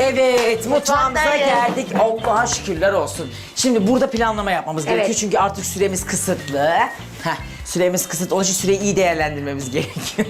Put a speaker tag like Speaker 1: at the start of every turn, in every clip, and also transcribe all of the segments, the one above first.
Speaker 1: Evet, mutfağımıza
Speaker 2: Mutfaktayız.
Speaker 1: geldik. Allah'a şükürler olsun. Şimdi burada planlama yapmamız
Speaker 2: Evet.
Speaker 1: gerekiyor çünkü artık süremiz kısıtlı. Süremiz kısıtlı. Onun için süreyi iyi değerlendirmemiz gerekiyor.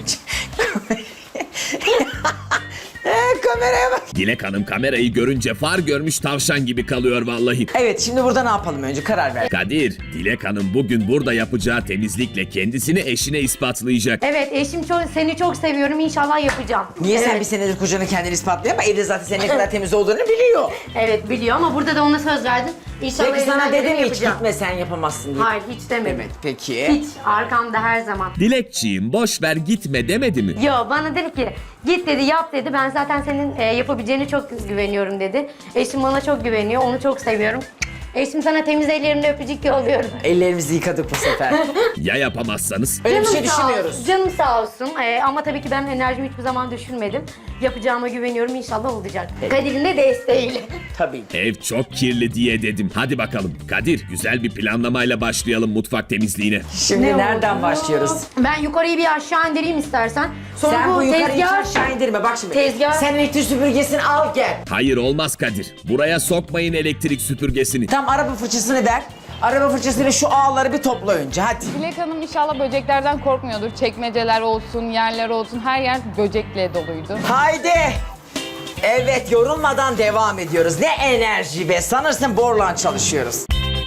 Speaker 1: Kameraya bak.
Speaker 3: Dilek Hanım kamerayı görünce far görmüş tavşan gibi kalıyor vallahi.
Speaker 1: Evet, şimdi burada ne yapalım önce karar ver.
Speaker 3: Kadir, Dilek Hanım bugün burada yapacağı temizlikle kendisini eşine ispatlayacak.
Speaker 2: Evet eşim seni çok seviyorum inşallah yapacağım.
Speaker 1: Niye sen
Speaker 2: Evet.
Speaker 1: bir senedir kocanın kendini ispatlıyor ama evde zaten senin ne kadar temiz olduğunu biliyor.
Speaker 2: Evet biliyor ama burada da ona söz verdin. İnşallah
Speaker 1: Peki sana
Speaker 2: elimden
Speaker 1: dedi
Speaker 2: geleni
Speaker 1: mi hiç
Speaker 2: yapacağım.
Speaker 1: gitme sen yapamazsın diye?
Speaker 2: Hayır hiç demedim.
Speaker 1: Evet, peki.
Speaker 2: Hiç arkamda her zaman.
Speaker 3: Dilekçiğim boş ver gitme demedi mi?
Speaker 2: Yo bana dedi ki git dedi yap dedi ben zaten senin yapabileceğine çok güveniyorum dedi. Eşim bana çok güveniyor onu çok seviyorum. Eşim sana temiz ellerimle öpücük yolluyorum.
Speaker 1: Ellerimizi yıkadık bu sefer.
Speaker 3: Ya yapamazsanız?
Speaker 1: Öyle bir şey
Speaker 2: sağ
Speaker 1: düşünmüyoruz.
Speaker 2: olsun, canım sağ olsun. Ama tabii ki ben enerjimi hiçbir zaman düşürmedim. Yapacağıma güveniyorum inşallah olacak. Kadir'in de desteğiyle.
Speaker 1: Tabii.
Speaker 3: Ev çok kirli diye dedim. Hadi bakalım Kadir, güzel bir planlamayla başlayalım mutfak temizliğine.
Speaker 1: Şimdi
Speaker 2: Ne
Speaker 1: nereden
Speaker 2: oldu?
Speaker 1: başlıyoruz?
Speaker 2: Ben yukarıyı bir aşağı indireyim istersen. Sonra
Speaker 1: Sen bu yukarıyı hiç
Speaker 2: tezgah...
Speaker 1: aşağı indirme bak şimdi.
Speaker 2: Tezgah-
Speaker 1: Sen elektrik süpürgesini al gel.
Speaker 3: Hayır olmaz Kadir. Buraya sokmayın elektrik süpürgesini.
Speaker 1: Tam araba fırçasını ver. Araba fırçasıyla şu ağları bir topla önce hadi.
Speaker 4: Dilek Hanım inşallah böceklerden korkmuyordur. Çekmeceler olsun, yerler olsun, her yer böcekle doluydu.
Speaker 1: Haydi. Evet, yorulmadan devam ediyoruz. Ne enerji be, sanırsın borlan çalışıyoruz.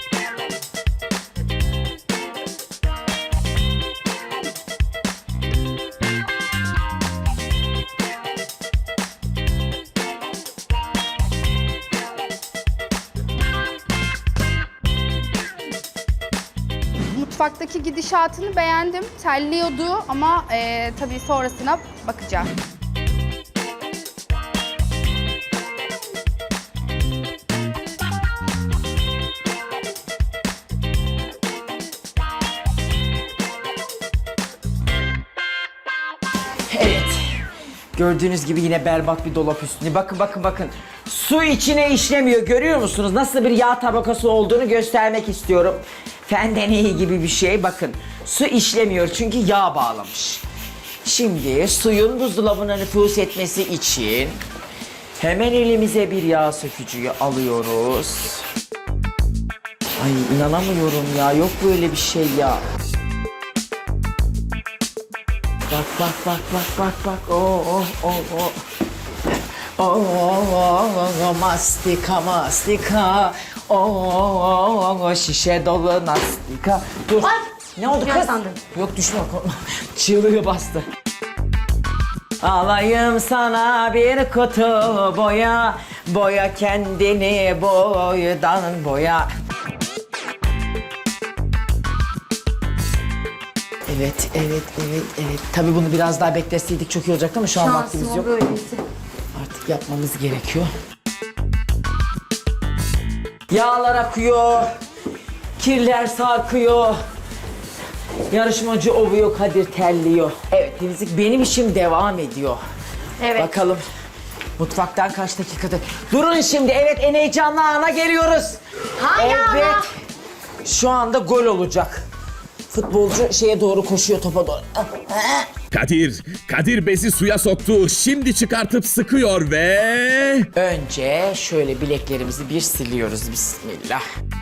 Speaker 5: Mutfaktaki gidişatını beğendim. Terliyordu ama tabii sonrasına bakacağım.
Speaker 1: Evet. Gördüğünüz gibi yine berbat bir dolap üstünde. Bakın bakın bakın. Su içine işlemiyor. Görüyor musunuz? Nasıl bir yağ tabakası olduğunu göstermek istiyorum. Fendeneyi gibi bir şey. Bakın. Su işlemiyor çünkü yağ bağlamış. Şimdi suyun buzdolabına nüfuz etmesi için hemen elimize bir yağ sökücüyü alıyoruz. Ay inanamıyorum ya. Yok böyle bir şey ya. Bak bak bak bak bak bak. Mastika mastika. Şişe dolu nastika. Dur.
Speaker 2: Ay!
Speaker 1: Ne oldu
Speaker 2: Düşüyor
Speaker 1: kız?
Speaker 2: sandım.
Speaker 1: Yok düşme korkma. Çığlığı bastı. Alayım sana bir kutu boya. Boya kendini boydan boya. Evet, evet, evet, evet. Tabii bunu biraz daha bekleseydik çok iyi olacaktı ama şu an vaktimiz
Speaker 2: Şansım o
Speaker 1: yok.
Speaker 2: böylesi.
Speaker 1: Artık yapmamız gerekiyor. Yağlar akıyor. Kirler sarkıyor. Yarışmacı ovuyor, Kadir terliyor. Evet, temizlik benim işim devam ediyor.
Speaker 2: Evet.
Speaker 1: Bakalım mutfaktan kaç dakikada... Durun şimdi, evet en heyecanlı ana geliyoruz.
Speaker 2: Hangi
Speaker 1: evet.
Speaker 2: ana?
Speaker 1: Şu anda gol olacak. Futbolcu şeye doğru koşuyor, topa doğru.
Speaker 3: Kadir bezi suya soktu. Şimdi çıkartıp sıkıyor ve...
Speaker 1: Önce şöyle bileklerimizi bir siliyoruz. Bismillah.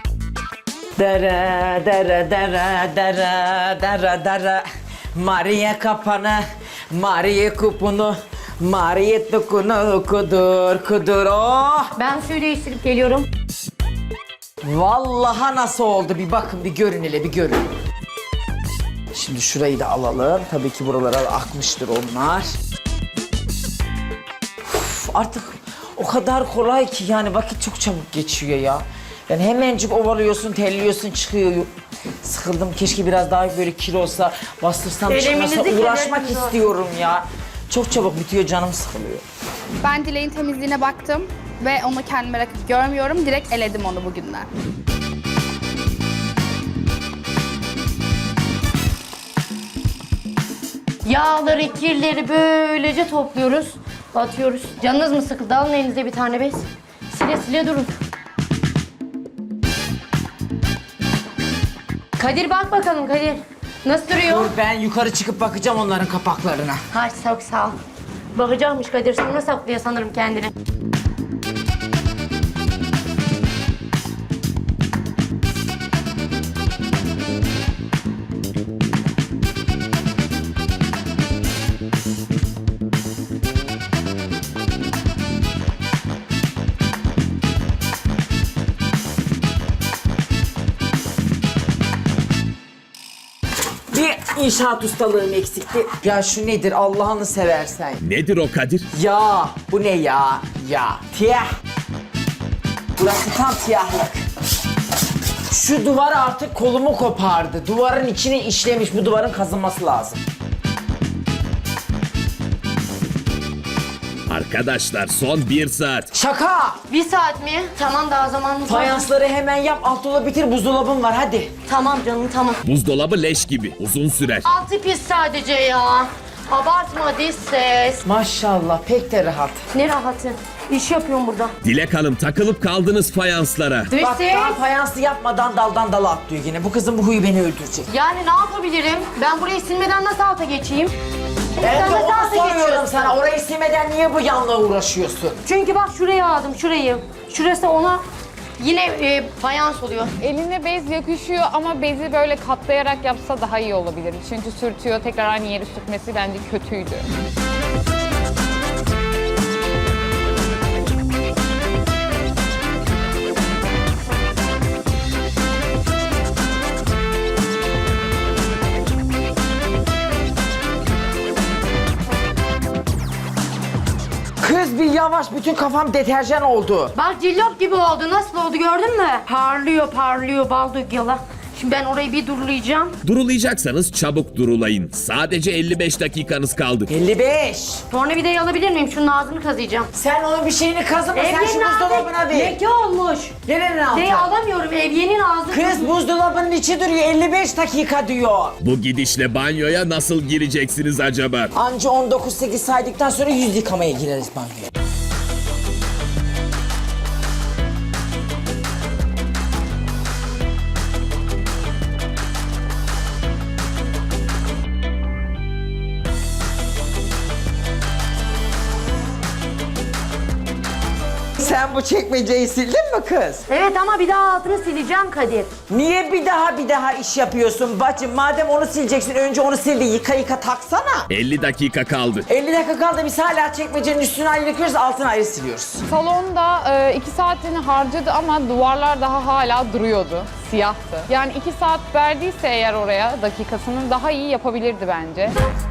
Speaker 1: Dara dara dara dara dara dara. Maria kapanı, Maria kupunu, Maria dokunu kudur kudur. Oh!
Speaker 2: Ben suyu değiştirip geliyorum.
Speaker 1: Vallahi nasıl oldu bir bakın, bir görün hele, bir görün. Şimdi şurayı da alalım. Tabii ki buralara akmıştır onlar. Uf, artık o kadar kolay ki yani vakit çok çabuk geçiyor ya. Yani hemencik ovalıyorsun, terliyorsun, çıkıyor. Sıkıldım. Keşke biraz daha böyle kilo olsa, bastırsam
Speaker 2: Eleminizi
Speaker 1: çıkmasa uğraşmak
Speaker 2: kelepiniz
Speaker 1: istiyorum ya. Çok çabuk bitiyor, canım sıkılıyor.
Speaker 5: Ben Dilek'in temizliğine baktım ve onu kendime rakip görmüyorum. Direkt eledim onu bugünden.
Speaker 2: Yağları, kirleri böylece topluyoruz. Atıyoruz. Canınız mı sıkıldı? Alın elinize bir tane bez. Sile sile durun. Kadir bak bakalım Kadir. Nasıl duruyor?
Speaker 1: Dur ben yukarı çıkıp bakacağım onların kapaklarına.
Speaker 2: Hay çok sağ ol. Bakacakmış Kadir. Sonra saklıyor sanırım kendini.
Speaker 1: inşaat ustalığım eksikti. Ya şu nedir Allah'ını seversen.
Speaker 3: Nedir o Kadir?
Speaker 1: Ya bu ne ya? Ya tiyah. Burası tam tiyahlık. Şu duvar artık kolumu kopardı. Duvarın içine işlemiş. Bu duvarın kazınması lazım.
Speaker 3: Arkadaşlar son 1 saat.
Speaker 1: Şaka!
Speaker 2: 1 saat mi? Tamam, daha zamanımız var.
Speaker 1: Fayansları hemen yap. Alt dolabı bitir. Buzdolabım var hadi.
Speaker 2: Tamam canım, tamam.
Speaker 3: Buzdolabı leş gibi. Uzun sürer.
Speaker 2: Altı pis sadece ya. Abartma diz ses.
Speaker 1: Maşallah pek de rahat.
Speaker 2: Ne rahatı. İş yapıyorum burada.
Speaker 3: Dilek Hanım takılıp kaldınız fayanslara.
Speaker 2: Dış
Speaker 1: Bak
Speaker 2: ses.
Speaker 1: daha fayanslı yapmadan daldan dala atlıyor yine. Bu kızın bu huyu beni öldürecek.
Speaker 2: Yani ne yapabilirim? Ben burayı silmeden nasıl alta geçeyim?
Speaker 1: Ben
Speaker 2: Sen
Speaker 1: de
Speaker 2: nasıl
Speaker 1: onu
Speaker 2: alta
Speaker 1: soruyorum
Speaker 2: geçiyorsun?
Speaker 1: sana. Orayı silmeden niye bu yanla uğraşıyorsun?
Speaker 2: Çünkü bak şuraya aldım, şurayı. Şurası ona yine fayans oluyor.
Speaker 4: Eline bez yakışıyor ama bezi böyle katlayarak yapsa daha iyi olabilir. Çünkü sürtüyor, tekrar aynı yeri sürtmesi bence kötüydü.
Speaker 1: Kız bir yavaş, bütün kafam deterjan oldu.
Speaker 2: Bak cillop gibi oldu. Nasıl oldu gördün mü? Parlıyor parlıyor bal dök yala. Şimdi ben orayı bir durulayacağım.
Speaker 3: Durulayacaksanız çabuk durulayın. Sadece 55 dakikanız kaldı.
Speaker 1: 55.
Speaker 2: Tornavidayı alabilir miyim? Şunun ağzını kazıyacağım.
Speaker 1: Sen onun bir şeyini kazıma, sen şu buzdolabına ver.
Speaker 2: Leke olmuş.
Speaker 1: Nerenin altı?
Speaker 2: Neyi alamıyorum? Evyenin ağzı.
Speaker 1: Kız buzdolabının içi duruyor, 55 dakika diyor.
Speaker 3: Bu gidişle banyoya nasıl gireceksiniz acaba?
Speaker 1: Anca 19-8 saydıktan sonra yüz yıkamaya gireriz banyoya. Sen bu çekmeceyi sildin mi kız?
Speaker 2: Evet ama bir daha altını sileceğim Kadir.
Speaker 1: Niye bir daha iş yapıyorsun bacım? Madem onu sileceksin önce onu sil de yıka taksana.
Speaker 3: 50 dakika kaldı.
Speaker 1: 50 dakika kaldı, biz hala çekmecenin üstünü ayrı yıkıyoruz, altını ayrı siliyoruz.
Speaker 4: Salonda 2 saatini harcadı ama duvarlar daha hala duruyordu. Siyahtı. Yani 2 saat verdiyse eğer oraya dakikasını daha iyi yapabilirdi bence.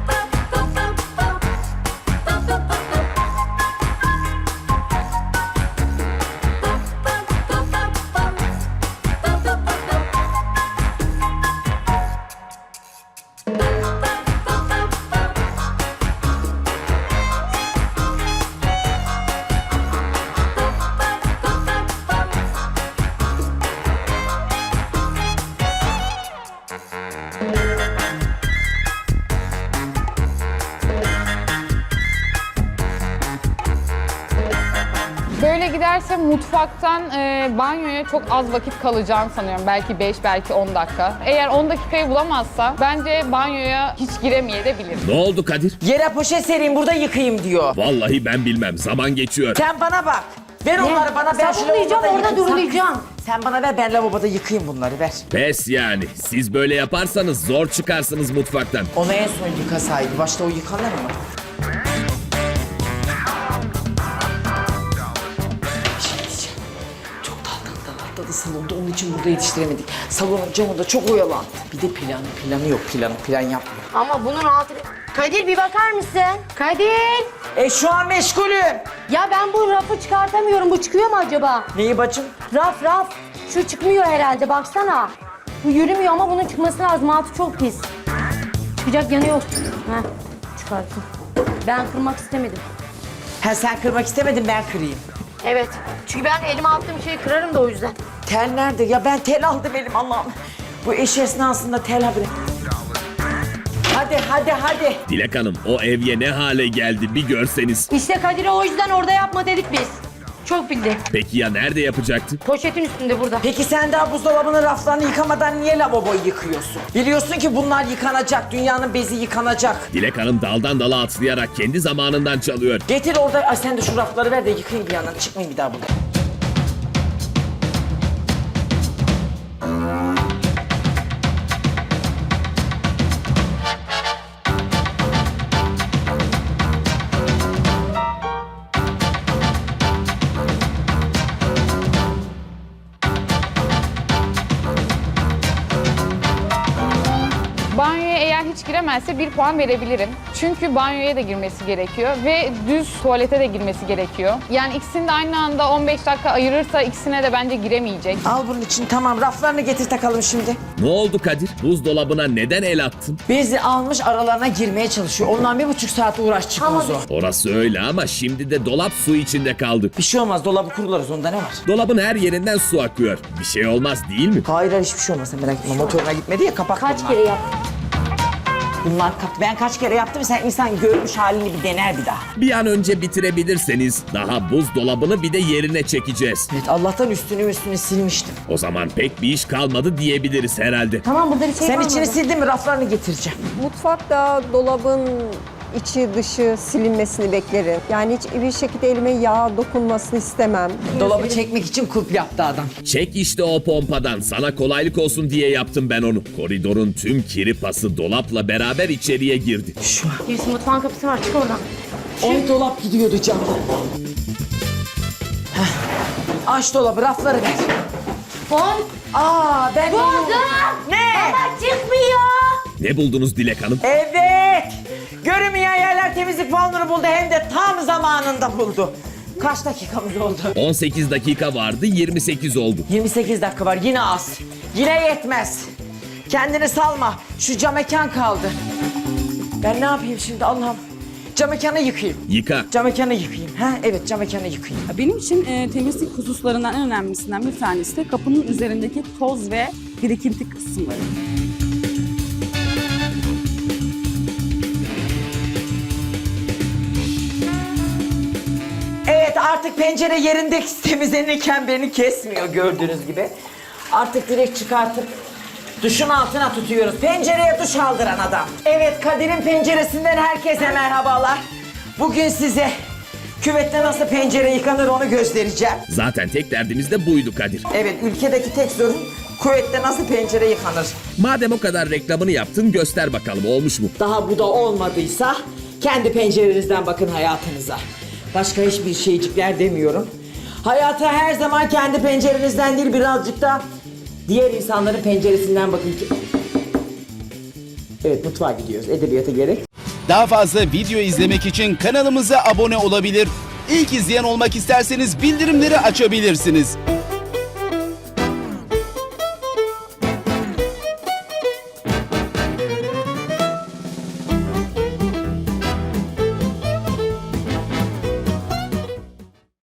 Speaker 4: Böyle giderse mutfaktan banyoya çok az vakit kalacağını sanıyorum. Belki 5, belki 10 dakika. Eğer 10 dakikayı bulamazsa bence banyoya hiç giremeyebilir.
Speaker 3: Ne oldu Kadir?
Speaker 1: Yere poşet sereyim, burada yıkayayım diyor.
Speaker 3: Vallahi ben bilmem. Zaman geçiyor.
Speaker 1: Sen bana bak. Ver onları bana, ben şu
Speaker 2: Sabunlayacağım,
Speaker 1: lavaboda
Speaker 2: orada
Speaker 1: yıkayayım.
Speaker 2: durulayacağım.
Speaker 1: Sen bana ver, ben lavaboda yıkayayım bunları, ver.
Speaker 3: Pes yani. Siz böyle yaparsanız zor çıkarsınız mutfaktan.
Speaker 1: Onu en son yıkasaydı, başta o yıkanır mı? Bir şey diyeceğim. Çok dalgalı salonda, onun için burada yetiştiremedik. Salonun camında çok oyalandı. Bir de planı yok, plan yapmıyor.
Speaker 2: Ama bunun altı... Kadir bir bakar mısın? Kadir!
Speaker 1: Şu an meşgulüm.
Speaker 2: Ya ben bu rafı çıkartamıyorum. Bu çıkıyor mu acaba?
Speaker 1: Neyi bacım?
Speaker 2: Raf. Şu çıkmıyor herhalde baksana. Bu yürümüyor ama bunun çıkması lazım. Altı çok pis. Çıkacak yanı yok. Heh, çıkarttım. Ben kırmak istemedim.
Speaker 1: Ha, sen kırmak istemedin, ben kırayım.
Speaker 2: Evet. Çünkü ben elime attığım şeyi kırarım da o yüzden.
Speaker 1: Tel nerede? Ya ben tel aldım elim, Allah'ım. Bu iş esnasında tel haberi. Hadi.
Speaker 3: Dilek Hanım o evye ne hale geldi bir görseniz.
Speaker 2: İşte Kadir'e o yüzden orada yapma dedik biz. Çok bildi.
Speaker 3: Peki ya nerede yapacaktı?
Speaker 2: Poşetin üstünde burada.
Speaker 1: Peki sen daha buzdolabının raflarını yıkamadan niye lavaboyu yıkıyorsun? Biliyorsun ki bunlar yıkanacak, dünyanın bezi yıkanacak.
Speaker 3: Dilek Hanım daldan dala atlayarak kendi zamanından çalıyor.
Speaker 1: Getir orada, ay sen de şu rafları ver de yıkayayım bir yandan, çıkmayayım bir daha burada.
Speaker 4: Banyoya eğer hiç giremezse 1 puan verebilirim. Çünkü banyoya da girmesi gerekiyor ve düz tuvalete de girmesi gerekiyor. Yani ikisini de aynı anda 15 dakika ayırırsa ikisine de bence giremeyecek.
Speaker 1: Al bunun için, tamam, raflarını getir takalım şimdi.
Speaker 3: Ne oldu Kadir? Buzdolabına neden el attın?
Speaker 1: Bezi almış aralarına girmeye çalışıyor. Ondan 1,5 saat uğraş çıkmaz o.
Speaker 3: Orası öyle ama şimdi de dolap su içinde kaldı.
Speaker 1: Bir şey olmaz, dolabı kurularız, onda ne var?
Speaker 3: Dolabın her yerinden su akıyor. Bir şey olmaz değil mi?
Speaker 1: Hayır hiçbir şey olmaz, sen merak etme. Motoruna gitmedi ya, kapak
Speaker 2: Kaç
Speaker 1: bunlar.
Speaker 2: kere yaptın?
Speaker 1: Bunlar ben kaç kere yaptım, sen insan görmüş halini bir dener bir daha.
Speaker 3: Bir an önce bitirebilirseniz daha buzdolabını bir de yerine çekeceğiz.
Speaker 1: Evet, Allah'tan üstünü silmiştim.
Speaker 3: O zaman pek bir iş kalmadı diyebiliriz herhalde.
Speaker 2: Tamam, burada bir şey
Speaker 1: Sen
Speaker 2: kalmadı.
Speaker 1: içini sildin mi? Raflarını getireceğim.
Speaker 6: Mutfakta dolabın içi dışı silinmesini beklerim. Yani hiçbir şekilde elime yağ dokunmasını istemem.
Speaker 1: Dolabı çekmek için kulp yaptı adam.
Speaker 3: Çek işte o pompadan. Sana kolaylık olsun diye yaptım ben onu. Koridorun tüm kiri pası dolapla beraber içeriye girdi.
Speaker 1: Şu an.
Speaker 2: Birisi mutfağın kapısı var, çık oradan.
Speaker 1: Oy, dolap gidiyordu canım. Heh. Aç dolabı, rafları ver.
Speaker 2: Koy.
Speaker 1: Ben
Speaker 2: Buldum.
Speaker 1: Ne?
Speaker 2: Baba çıkmıyor.
Speaker 3: Ne buldunuz Dilek Hanım?
Speaker 1: Evet. Görünmeyen yerler temizlik puanları buldu, hem de tam zamanında buldu. Kaç dakikamız oldu?
Speaker 3: 18 dakika vardı, 28 oldu.
Speaker 1: 28 dakika var, yine az. Yine yetmez. Kendini salma. Şu cam mekan kaldı. Ben ne yapayım şimdi Allah'ım? Cam mekanı yıkayayım.
Speaker 3: Yıka.
Speaker 1: Cam mekanı yıkayayım. Ha, evet, cam mekanı yıkayayım.
Speaker 7: Benim için temizlik hususlarından en önemlisinden bir tanesi de kapının üzerindeki toz ve birikinti kısımları.
Speaker 1: Evet, artık pencere yerinde temizlenirken beni kesmiyor gördüğünüz gibi. Artık direkt çıkartıp duşun altına tutuyoruz. Pencereye duş aldıran adam. Evet, Kadir'in penceresinden herkese merhabalar. Bugün size küvette nasıl pencere yıkanır onu göstereceğim.
Speaker 3: Zaten tek derdimiz de buydu Kadir.
Speaker 1: Evet, ülkedeki tek sorun küvette nasıl pencere yıkanır.
Speaker 3: Madem o kadar reklamını yaptın göster bakalım olmuş mu?
Speaker 1: Daha bu da olmadıysa kendi pencerenizden bakın hayatınıza. Başka hiçbir şeycikler demiyorum. Hayata her zaman kendi pencerenizden değil, birazcık da diğer insanların penceresinden bakın ki... Evet, mutfağa gidiyoruz. Edebiyata gerek.
Speaker 8: Daha fazla video izlemek için kanalımıza abone olabilir. İlk izleyen olmak isterseniz bildirimleri açabilirsiniz.